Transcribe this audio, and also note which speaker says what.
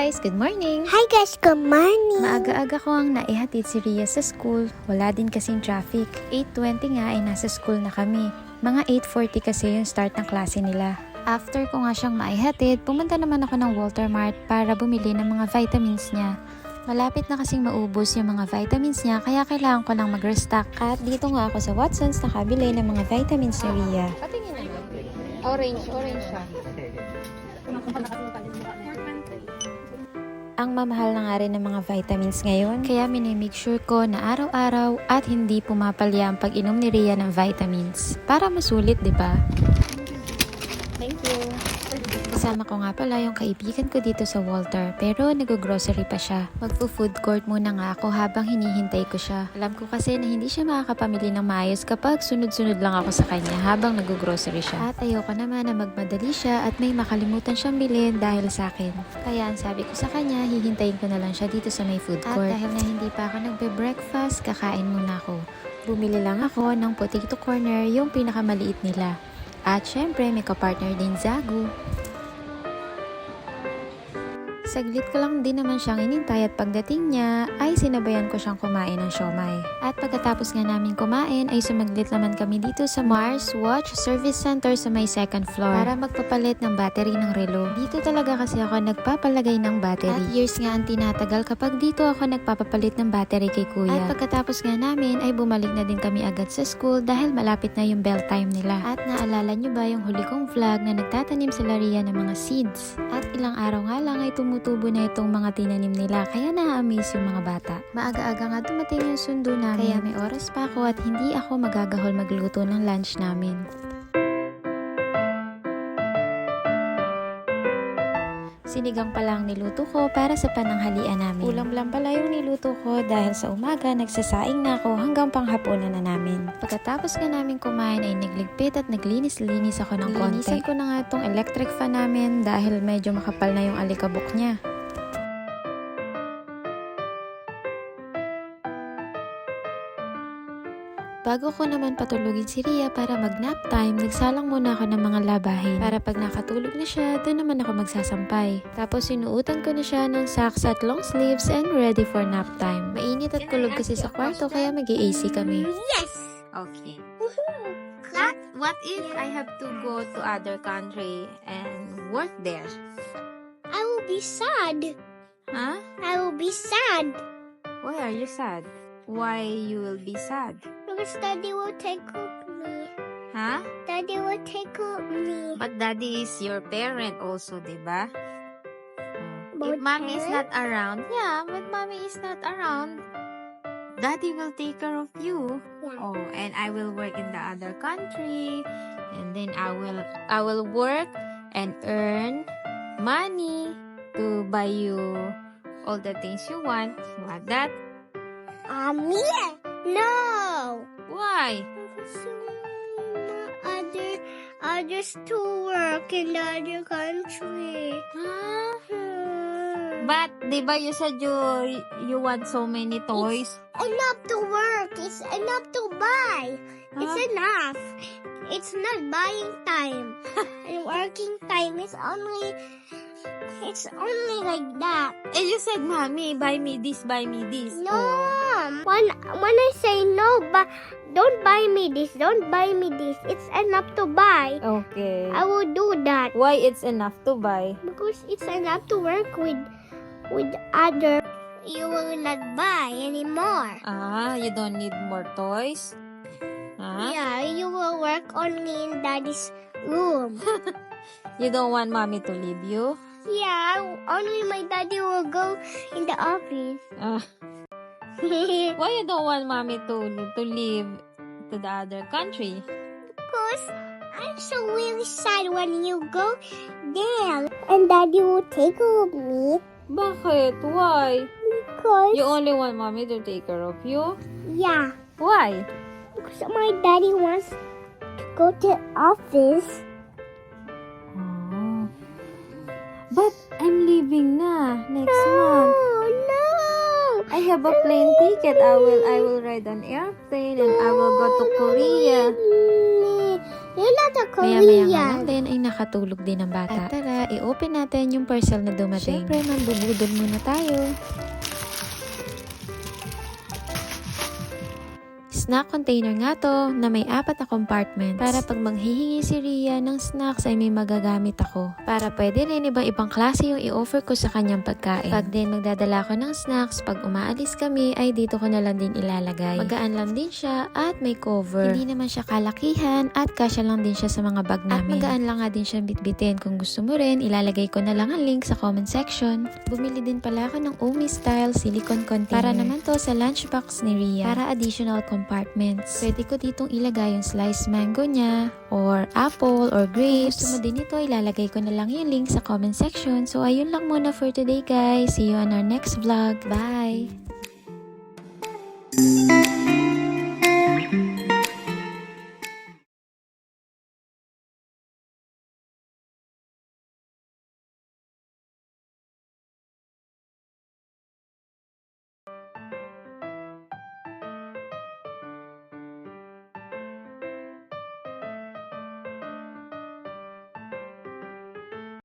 Speaker 1: guys! Good morning!
Speaker 2: Hi guys, good morning!
Speaker 1: Maaga-aga ko ang naihatid si Ria sa school. Wala din kasing traffic. 8:20 nga ay nasa school na kami. Mga 8:40 kasi yung start ng klase nila. After ko nga siyang maihatid, pumunta naman ako ng Walter Mart para bumili ng mga vitamins niya. Malapit na kasing maubos yung mga vitamins niya kaya kailangan ko lang mag-restock. At dito nga ako sa Watson's nakabili ng mga vitamins ni Ria.
Speaker 3: Patingin naman. Orange siya.
Speaker 1: Ang mamahal na nga rin ng mga vitamins ngayon, kaya minimake sure ko na araw-araw at hindi pumapalya ang pag-inom ni Ria ng vitamins. Para masulit, di ba?
Speaker 3: Thank you.
Speaker 1: Kasama ko nga pala yung kaibigan ko dito sa Walter, pero nag-grocery pa siya. Magpo-food court muna nga ako habang hinihintay ko siya. Alam ko kasi na hindi siya makakapamili ng maayos kapag sunod-sunod lang ako sa kanya habang nag-grocery siya. At ayoko naman na magmadali siya at may makalimutan siyang bilhin dahil sa akin. Kaya ang sabi ko sa kanya, hihintayin ko na lang siya dito sa may food court. At dahil na hindi pa ako nagbe-breakfast, kakain muna ako. Bumili lang ako ng potato corner, yung pinakamaliit nila. At syempre, may kapartner din Zagu. Saglit ko lang din naman siyang inintay at pagdating niya ay sinabayan ko siyang kumain ng siomai. At pagkatapos nga namin kumain ay sumaglit naman kami dito sa Mars Watch Service Center sa may second floor para magpapalit ng battery ng relo. Dito talaga kasi ako nagpapalagay ng battery. At years nga ang tinatagal kapag dito ako nagpapapalit ng battery kay kuya. At pagkatapos nga namin ay bumalik na din kami agad sa school dahil malapit na yung bell time nila. At naalala nyo ba yung huli kong vlog na nagtatanim sila Ria ng mga seeds? At ilang araw nga lang ay tumutubo na itong mga tinanim nila kaya na-amaze yung mga bata. Maaga-aga nga dumating yung sundo namin kaya may oras pa ako at hindi ako magagahol magluto ng lunch namin. Sinigang pala ang niluto ko para sa pananghalian namin. Ulam lang pala yung niluto ko dahil sa umaga nagsasaing na ako hanggang panghapunan na namin. Pagkatapos nga namin kumain ay nagligpit at naglinis-linis ako ng konti. Linisan ko na nga itong electric fan namin dahil medyo makapal na yung alikabok niya. Bago ko naman patulugin si Ria para mag-nap time, nagsalang muna ako ng mga labahin. Para pag nakatulog na siya, doon naman ako magsasampay. Tapos sinuutan ko na siya ng socks at long sleeves and ready for nap time. Mainit at kulog kasi sa kwarto kaya mag-AC kami.
Speaker 2: Yes!
Speaker 3: Okay. What if I have to go to other country and work there?
Speaker 2: I will be sad.
Speaker 3: Huh?
Speaker 2: I will be sad.
Speaker 3: Why are you sad? Why you will be sad?
Speaker 2: Because Daddy will take up me.
Speaker 3: Huh?
Speaker 2: Daddy will take up me.
Speaker 3: But daddy is your parent also, diba?
Speaker 2: But
Speaker 3: If mommy is not
Speaker 2: parent?
Speaker 3: around, yeah, but mommy is not around, daddy will take care of you.
Speaker 2: Yeah.
Speaker 3: Oh, and I will work in the other country, and then I will work and earn money to buy you all the things you want. You want that?
Speaker 2: Me? No!
Speaker 3: Why?
Speaker 2: Because others to work in the other country.
Speaker 3: Huh? But diba you said you want so many toys?
Speaker 2: Enough to work. It's enough to buy. It's
Speaker 3: Huh?
Speaker 2: enough. It's not buying time. And working time is only like that.
Speaker 3: And you said, mommy, buy me this, buy me this.
Speaker 2: No.
Speaker 3: Oh.
Speaker 2: When I say no, but don't buy me this, don't buy me this. It's enough to buy.
Speaker 3: Okay.
Speaker 2: I will do that
Speaker 3: Why it's enough to buy?
Speaker 2: because it's enough to work with other. You will not buy anymore.
Speaker 3: You don't need more toys? Huh?
Speaker 2: Yeah, you will work only in Daddy's room.
Speaker 3: You don't want mommy to leave you?
Speaker 2: Yeah, only my daddy will go in the office.
Speaker 3: Why you don't want mommy to leave to the other country?
Speaker 2: Because I'm so really sad when you go there. And Daddy will take care of me.
Speaker 3: Bakit? Why?
Speaker 2: Because,
Speaker 3: You only want mommy to take care of you?
Speaker 2: yeah,
Speaker 3: Why?
Speaker 2: because my daddy wants to go to office.
Speaker 3: Oh. But I'm leaving na next month.
Speaker 2: No.
Speaker 3: I have a plane ticket. I will ride an airplane and I will go to Korea.
Speaker 2: You're not a
Speaker 1: Maya-maya nga lang
Speaker 2: Korean.
Speaker 1: din ay nakatulog din ang bata. At tara, i-open natin yung parcel na dumating. Siyempre, mambubudol muna tayo. Snack container nga to na may 4 na compartments para pag manghihingi si Rhea ng snacks ay may magagamit ako. Para pwede rin ibang klase yung i-offer ko sa kanyang pagkain. Pag din magdadala ko ng snacks, pag umaalis kami ay dito ko na lang din ilalagay. Magaan lang din siya at may cover. Hindi naman siya kalakihan at kasya lang din siya sa mga bag namin. At magaan lang nga din siya bitbitin. Kung gusto mo rin, ilalagay ko na lang ang link sa comment section. Bumili din pala ako ng Omi style silicone container. Para naman to sa lunchbox ni Rhea. Para additional compartments. Pwede ko ditong ilagay yung sliced mango niya, or apple, or grapes. Kung gusto mo din ito, ilalagay ko na lang yung link sa comment section. So, ayun lang muna for today, guys. See you on our next vlog. Bye!